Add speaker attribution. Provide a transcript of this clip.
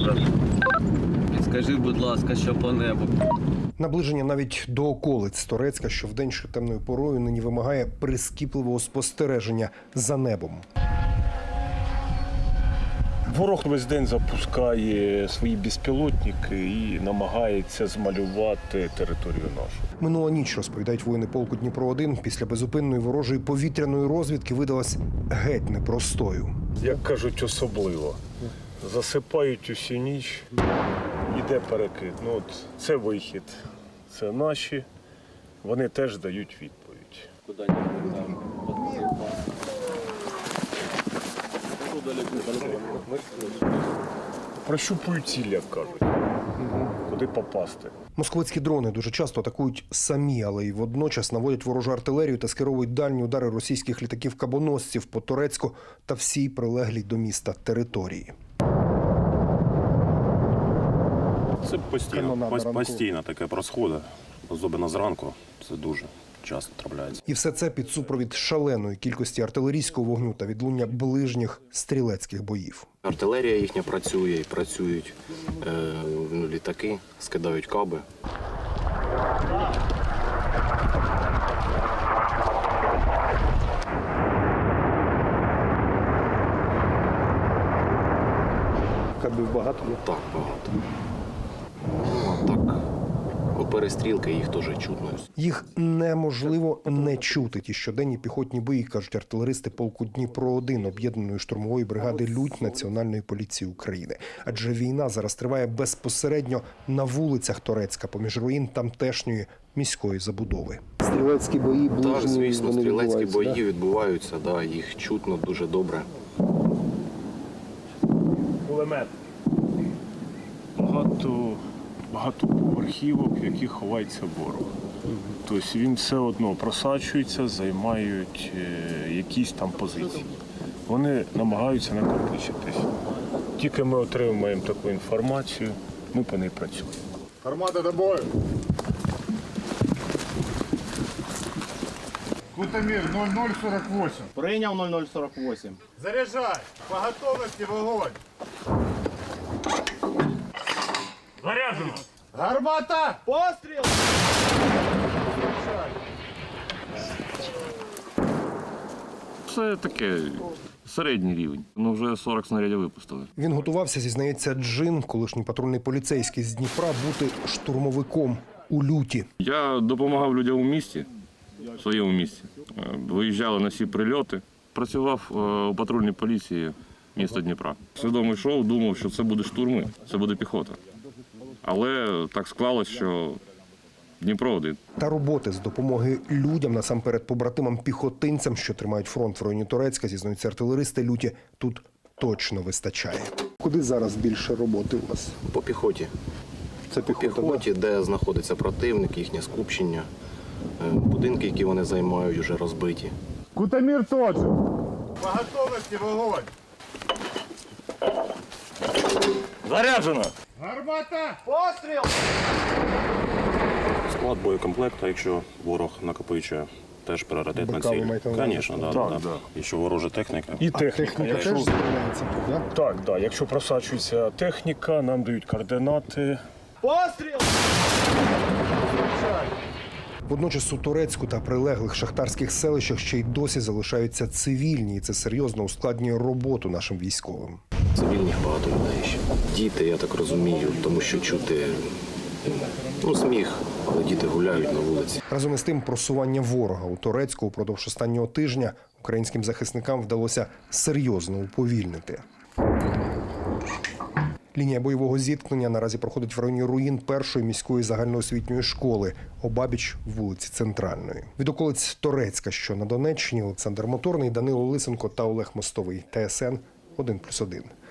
Speaker 1: брат. Скажи, будь ласка, що по небу.
Speaker 2: Наближення навіть до околиць Торецька, що вдень, що темною порою, нині вимагає прискіпливого спостереження за небом.
Speaker 3: Ворог весь день запускає свої безпілотники і намагається змалювати територію нашу.
Speaker 2: Минула ніч, розповідають воїни полку Дніпро-1, після безупинної ворожої повітряної розвідки видалась геть непростою.
Speaker 3: Як кажуть, особливо. Засипають усю ніч, іде перекид. Ну, от це вихід, це наші, вони теж дають відповідь.
Speaker 1: Куди-нибудь там.
Speaker 3: Прощупують ціль, як кажуть, куди попасти.
Speaker 2: Московицькі дрони дуже часто атакують самі, але й водночас наводять ворожу артилерію та скеровують дальні удари російських літаків-кабоносців по Торецьку та всій прилеглій до міста території.
Speaker 4: Це постійно таке происходить, особливо зранку, це дуже часто трапляється.
Speaker 2: І все це під супровід шаленої кількості артилерійського вогню та відлуння ближніх стрілецьких боїв.
Speaker 5: Артилерія їхня працює і працюють літаки, скидають каби.
Speaker 2: Кабів багато є?
Speaker 5: Так, багато. Ну, а так, у перестрілки їх теж чутно.
Speaker 2: Їх неможливо не чути. Ті щоденні піхотні бої, кажуть артилеристи полку Дніпро-1 об'єднаної штурмової бригади «Лють» Національної поліції України. Адже війна зараз триває безпосередньо на вулицях Торецька, поміж руїн тамтешньої міської забудови. Стрілецькі бої ближні,
Speaker 5: Так, звісно,
Speaker 2: вони
Speaker 5: стрілецькі бої
Speaker 2: да?
Speaker 5: відбуваються, да, їх чутно дуже добре.
Speaker 3: Кулемет. Багато поверхівок, в яких ховається ворог. Тобто він все одно просачується, займають якісь там позиції. Вони намагаються накопичитись. Тільки ми отримуємо таку інформацію, ми по ній працюємо.
Speaker 6: Гармата до бою. Кутамир 0048.
Speaker 7: Прийняв 0048.
Speaker 6: Заряджай. По готовності вогонь.
Speaker 3: Заряджено!
Speaker 6: Гармата!
Speaker 7: Постріл!
Speaker 4: Це таке середній рівень. Ну вже 40 снарядів випустили.
Speaker 2: Він готувався, зізнається Джин, колишній патрульний поліцейський з Дніпра, бути штурмовиком у люті.
Speaker 4: Я допомагав людям у місті, в своєму місті. Виїжджали на всі прильоти. Працював у патрульній поліції міста Дніпра. Свідомо йшов, думав, що це буде штурми, це буде піхота. Але так склалось, що Дніпро-1.
Speaker 2: Та роботи з допомоги людям, насамперед побратимам-піхотинцям, що тримають фронт в районі Торецька, зізнаються артилеристи люті, тут точно вистачає. Куди зараз більше роботи у вас?
Speaker 5: По піхоті.
Speaker 2: Це
Speaker 5: По піхоті, де знаходиться противник, їхнє скупчення, будинки, які вони займають, вже розбиті.
Speaker 6: Кутамир тот же. По готовності вогонь.
Speaker 3: Заряджено!
Speaker 6: Гармата!
Speaker 7: Постріл!
Speaker 4: Склад боєкомплекту, якщо ворог накопичує, теж пріоритет на
Speaker 2: Бокали
Speaker 4: цілі.
Speaker 2: маєте на увазі?
Speaker 4: Звісно,
Speaker 3: Так,
Speaker 4: да. І що ворожа техніка.
Speaker 3: І техніка.
Speaker 2: Техніка теж стріляється тут, так?
Speaker 3: Так, да. Якщо просачується техніка, нам дають координати.
Speaker 7: Постріл!
Speaker 2: Водночас у Торецьку та прилеглих шахтарських селищах ще й досі залишаються цивільні, і це серйозно ускладнює роботу нашим військовим.
Speaker 5: Цивільних багато людей ще. Діти, я так розумію, тому що чути сміх, але діти гуляють на вулиці.
Speaker 2: Разом із тим, просування ворога у Торецьку упродовж останнього тижня українським захисникам вдалося серйозно уповільнити. Лінія бойового зіткнення наразі проходить в районі руїн першої міської загальноосвітньої школи, обабіч вулиці Центральної. Від околиць Торецька, що на Донеччині, Олександр Моторний, Данило Лисенко та Олег Мостовий. ТСН 1+1.